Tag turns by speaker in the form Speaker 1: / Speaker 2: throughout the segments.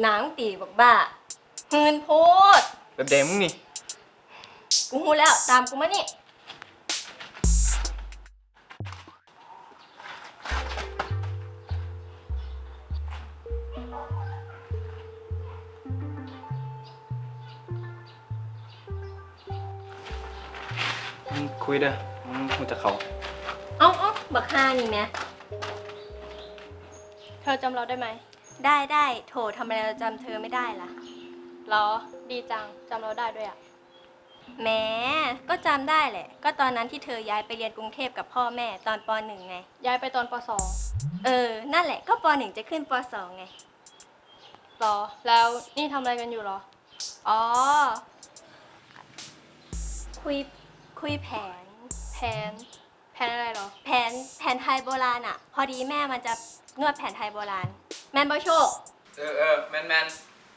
Speaker 1: หนังตีบอกบ้าหืนโพด
Speaker 2: แบบเดมึงนี่
Speaker 1: กูหูแล้วตามกูมานี่
Speaker 2: มึงคุยเด้อมึงจะเขา
Speaker 1: เอ้าบักฮานี่แม่เธอจำเราได้ไหมได้โถทำไมเราจำเธอไม่ได้ล่ะหรอดีจังจำเราได้ด้วยอ่ะแหมก็จำได้แหละก็ตอนนั้นที่เธอย้ายไปเรียนกรุงเทพกับพ่อแม่ตอนป .1 ไงย้ายไปตอนป .2 นั่นแหละก็ป .1 จะขึ้นป .2 ไงหรอแล้วนี่ทำอะไรกันอยู่หรออ๋อคุยแผนอะไรหรอแผนไทยโบราณอ่ะพอดีแม่มันจะนวดแผนไทยโบราณแมนบอโชค
Speaker 2: แมน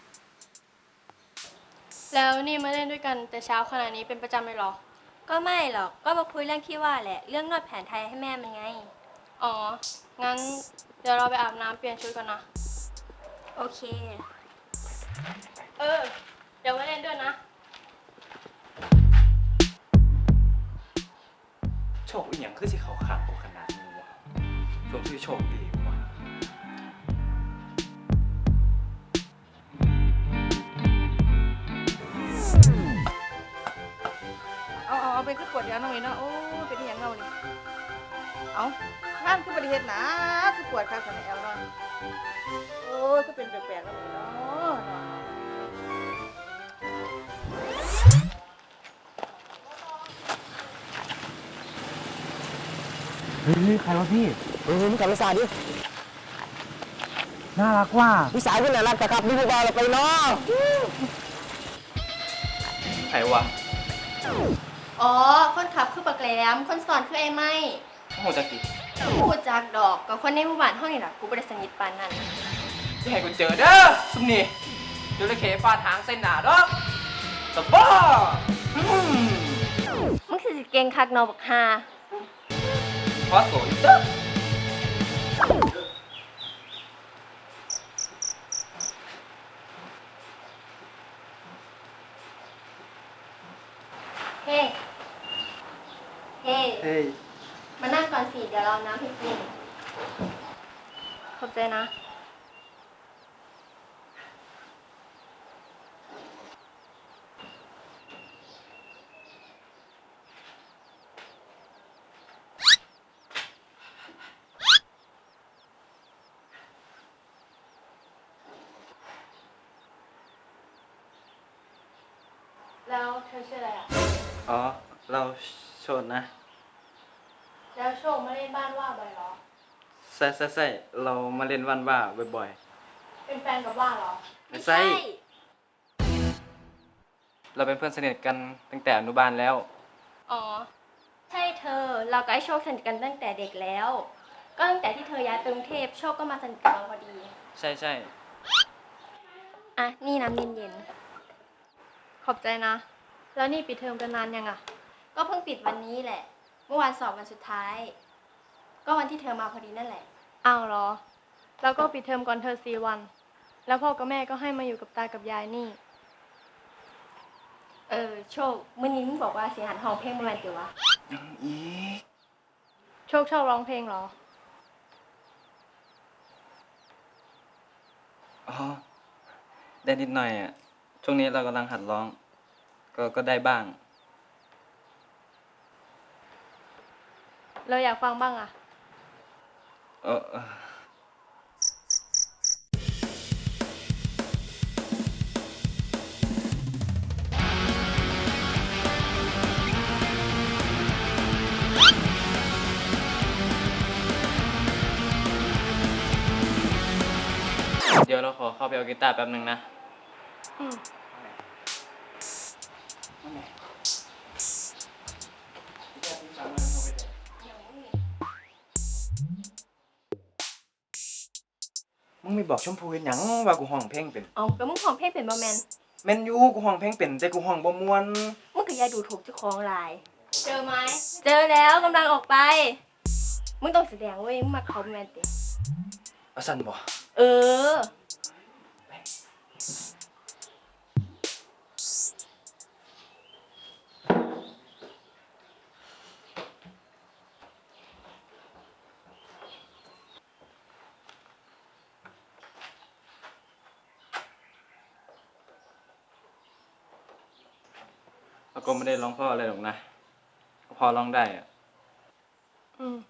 Speaker 1: แล้วนี่มาเล่นด้วยกันแต่เช้าขนาดนี้เป็นประจำเลยหรอก็ไม่หรอกก็มาคุยเรื่องที่ว่าแหละเรื่องนวดแผนไทยให้แม่มันไงอ๋องั้นเดี๋ยวเราไปอาบน้ำเปลี่ยนชุดก่อนนะโอเคเดี๋ยวมาเล่นด้วยนะ
Speaker 2: โชคอีหยังคือสิเขาขาดกูขนาดนี้วะสมชื่อโชคดีวะ
Speaker 3: เอาไปคือปวดเดี๋ยวน้องนี่เนาะโอ้เป็นอหย่างเงานี่เอาท่านคือประเทศนะคือปวดข้างสันแอลเนาะโอ้ก็เป็นแปลกๆแล้วนี่เนาะ
Speaker 4: เฮ้ยใครวะพี่มึงกลับมาสาดิน่ารักว่ะพี่สาวคุณน่ารักแต่ครับนี่พวกเราไปเนาะ
Speaker 2: ใครวะ
Speaker 1: อ๋อคนขับคือปักแหลมคนสอนคือไอ้ไม้
Speaker 2: โอ้โหจักรี
Speaker 1: พูดจากดอกกับคนในหมู่บ้านห้องนี่แหละกูไม่ได้สนิทปานนั้น
Speaker 2: อย่าให้กูเจอเด้อซุมนี่เดี๋ยวเลยเขฟาดหางเส้นหนาดอกตะบ้า
Speaker 1: มึงคือสิเก่งคักนอบักฮา
Speaker 2: พอสวยเด้อ
Speaker 1: เฮ้มานั่งก่อนสิเดี๋ยวเราน้ำให้กินขอบใจนะแล้วเธอชื่ออะไรอ่ะ
Speaker 2: อ๋อเราโชดนะ
Speaker 1: แล้วโชคมาเล่นบ้านว่าบ่อยหรอ
Speaker 2: ใช่เรามาเล่นวันว่าบ่อย
Speaker 1: ๆเป็นแฟนกับว่าหรอ
Speaker 2: ไม่ใช่เราเป็นเพื่อนสนิทกันตั้งแต่อนุบาลแล้ว
Speaker 1: อ๋อใช่เธอเรากับไอ้โชคสนิทกันตั้งแต่เด็กแล้วก็ตั้งแต่ที่เธอย้ายไปกรุงเทพโชคก็มาสนิทกับเราพอดี
Speaker 2: ใช่
Speaker 1: อ่ะนี่น้ำเย็นๆขอบใจนะแล้วนี่ปิดเทอมกันนานยังอ่ะก็เพิ่งปิดวันนี้แหละเมื่อวานสอบวันสุดท้ายก็วันที่เธอมาพอดีนั่นแหละอ้าวเหรอแล้วก็ปิดเทอมก่อนเธอ4 วันแล้วพ่อกับแม่ก็ให้มาอยู่กับตากับยายนี่โชคเมื่อนี้มึงบอกว่าเสียหันห้องเพลงเมื่อวันเดียววะ
Speaker 2: อี
Speaker 1: โชคชอบร้องเพลงเหรอ
Speaker 2: อ๋อได้นิดหน่อยอ่ะช่วงนี้เรากำลังหัดร้องก็ได้บ้าง
Speaker 1: เราอยากฟังบ้างอ่ะ
Speaker 2: เดี๋ยวเราขอเข้าไปเอากีตาร์แป๊บนึงนะมึงไม่บอกชมพูเห็นหยังว่ากูห้องเพลงเป็น
Speaker 1: แล้วมึงห้องเพลงเป็นบ่แมน
Speaker 2: แม่นอยู่กูห้องเพลงเป็นแต่กูห้องบ่ม่วน
Speaker 1: มึงก็อย่าดูถูกเจ้าของหลายเจอไหมเจอแล้วกำลังออกไปมึงต้องแสดงเว้ยมึงมาเขาแมนติ
Speaker 2: สั่นบ่
Speaker 1: เออ
Speaker 2: อาก็ไม่ได้ร้องเพ่ออะไรหรอกนะพอร้องได้อะ
Speaker 1: อืม